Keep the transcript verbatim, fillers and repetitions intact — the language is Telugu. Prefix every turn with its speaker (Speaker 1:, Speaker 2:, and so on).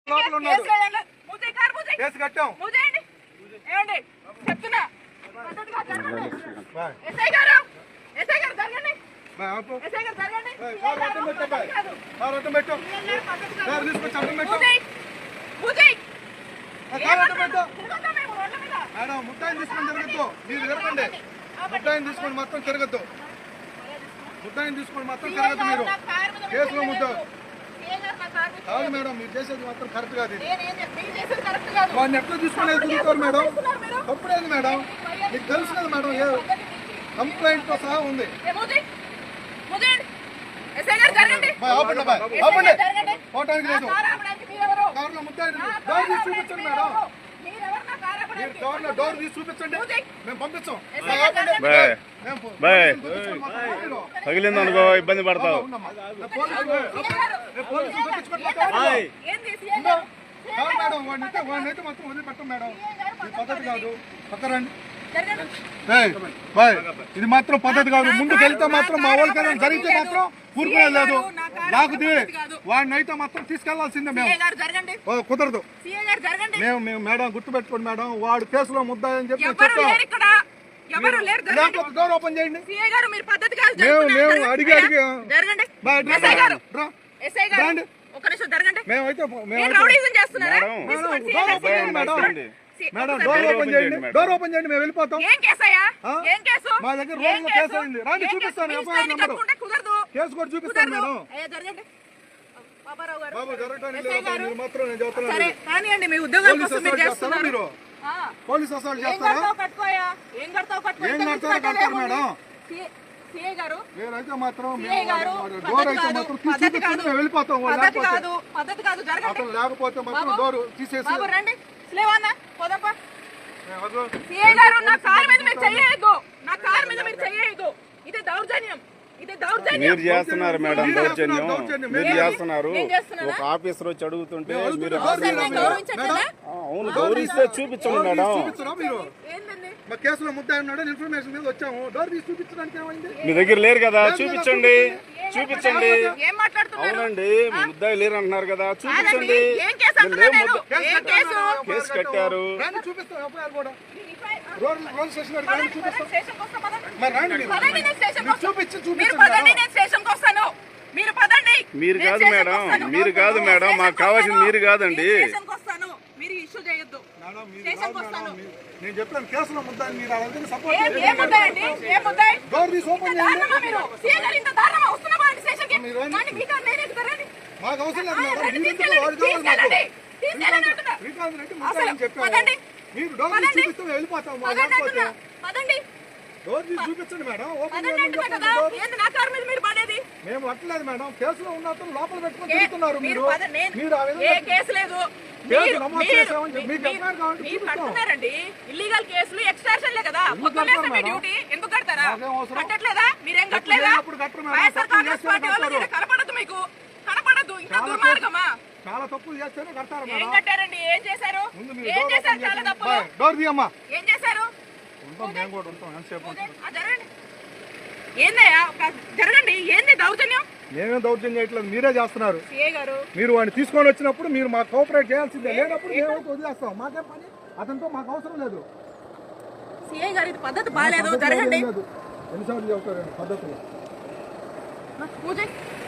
Speaker 1: కేసు కట్టాం.
Speaker 2: ఏమండి చెప్తున్నా ఎస్ఐ గారు ఎస్ఐ గారు జరగండి ఎస్ఐ గారు జరగండి
Speaker 1: మేడం ముట్టాయిని తీసుకొని తిరగద్దు. మీరు తిరగండి. ముట్టాయిని తీసుకొని మొత్తం తిరగద్దు. ముట్టాయిని తీసుకొని మొత్తం తిరగద్దు. మీరు కేసులో ముద్దారు కాదు మేడం. మీరు చేసేది మాత్రం కరెక్ట్ కాదు. వాడిని ఎట్లా తీసుకునేది తిరుగుతారు మేడం. తప్పుడేది మేడం. మీకు తెలుసు కదా మేడం. ఏ కంప్లైంట్ తో సహా ఉంది. పోవటానికి లేదు. కార్లో ముద్దాయి డోర్ తీసి చూపించండి మేడం. మీరు డోర్లో డోర్ తీసి చూపించండి. మేము పంపించాం.
Speaker 3: తగిలింది అనుకో ఇబ్బంది పడతావు.
Speaker 1: మేడం వాడిని వాడిని అయితే మొత్తం వదిలిపెట్టం మేడం. ఇది పద్ధతి కాదు. పక్కరండి. ఇది మాత్రం పద్ధతి కాదు. ముందుకు వెళ్తే మాత్రం మా వాళ్ళకైనా జరిగితే మాత్రం ఊరుకునే లేదు. లాగుది వాడిని అయితే మాత్రం తీసుకెళ్లాల్సిందే. మేము కుదరదు. మేము మేము మేడం గుర్తుపెట్టుకోండి మేడం. వాడు కేసులో ముద్దాయని చెప్పి చెప్పాం. డోర్ ఓపెన్ చేయండి. మేము మేము అడిగి అడిగి మేమైతే మేడం డోర్ ఓపెన్ చేయండి. డోర్ ఓపెన్ చేయండి. మేము వెళ్ళిపోతాం. మా దగ్గర రోజులో కేసు అయింది. రాండి చూపిస్తాను. ఎఫ్ఐఆర్ నెంబర్ కేసు కూడా చూపిస్తాను మేడం. బాబు జరగడానికి లేదు మాత్రం నేను చెప్తున్నాను. మీరు పోలీస్ అసలు చేస్తారా? ఏం కడతారో కడతారు మేడం. నేనైతే మాత్రం డోర్ అయితే మాత్రం చూపిస్తాను. మేము వెళ్ళిపోతాం. అతను లేకపోతే మాత్రం డోర్ తీసేసి
Speaker 3: మీరు చేస్తున్నారు మేడం దౌర్జన్యం. మీరు చేస్తున్నారు. ఒక ఆఫీసర్ వచ్చి అడుగుతుంటే మీరు అవును గౌరవిస్తే చూపించండి మేడం.
Speaker 1: కేసులో ముద్దాయి ఉన్నాడు ఇన్ఫర్మేషన్ మీద వచ్చాము. డోర్ తీసి చూపించడానికి ఏమైంది?
Speaker 3: మీ దగ్గర లేరు కదా చూపించండి. చూపించండి. అవునండి ముద్దాయి లేరు అంటున్నారు కదా చూపించండి. కేసు కట్టారు. మీరు కాదు మేడం. మీరు కాదు మేడం. మాకు కావాల్సింది మీరు కాదండి.
Speaker 1: నేను చెప్పాను కేసులో ముద్దాయి. మీరు సపోర్ట్ డోర్ తీసి ఓపెన్ చేయండి. మాకు అవసరం లేదు మేడం. చెప్పాను మీరు డోర్ తీసి చూపిస్తే వెళ్ళిపోతాం. డోర్ తీసి చూపించండి మేడం. ఓపెన్ మేము అట్లేదు మేడం. కేసులో ఉన్నట్టు లోపల పెట్టుకుని తిరుగుతున్నారు మీరు. మీరు
Speaker 2: ఇల్లీగల్ కేసులు ఎక్స్ట్రాషన్లే కదా. డ్యూటీ ఎందుకు కడతారా? కట్టట్లేదా? మీరేం కట్టలేదా? కనపడదు మీకు కనపడదు. ఇంకా దుర్మార్గమా?
Speaker 1: చాలా తప్పులు చేస్తేనే కడతారు.
Speaker 2: ఏం కట్టారండి? ఏం చేశారు? ఏం చేశారు? చాలా తప్పులు.
Speaker 1: డోర్ తీయమ్మా.
Speaker 2: ఏం చేశారు?
Speaker 1: మేము కూడా ఉంటాం. ఎంతసేపు
Speaker 2: ఏందయ్యా జరగండి. ఏంది దౌర్జన్యం?
Speaker 1: మేమేం దౌర్జన్యం చేయట్లేదు. మీరే చేస్తున్నారు. మీరు వాడిని తీసుకొని వచ్చినప్పుడు మీరు మాకు కోఆపరేట్ చేయాల్సిందే. లేనప్పుడు మేము వదిలేస్తాం. మాకేం పని? అతనితో మాకు అవసరం లేదు.
Speaker 2: సిఐ గారు ఇది పద్ధతి బాగాలేదు. జరగండి.
Speaker 1: ఎన్నిసార్లు చెబుతారండి పద్ధతులు?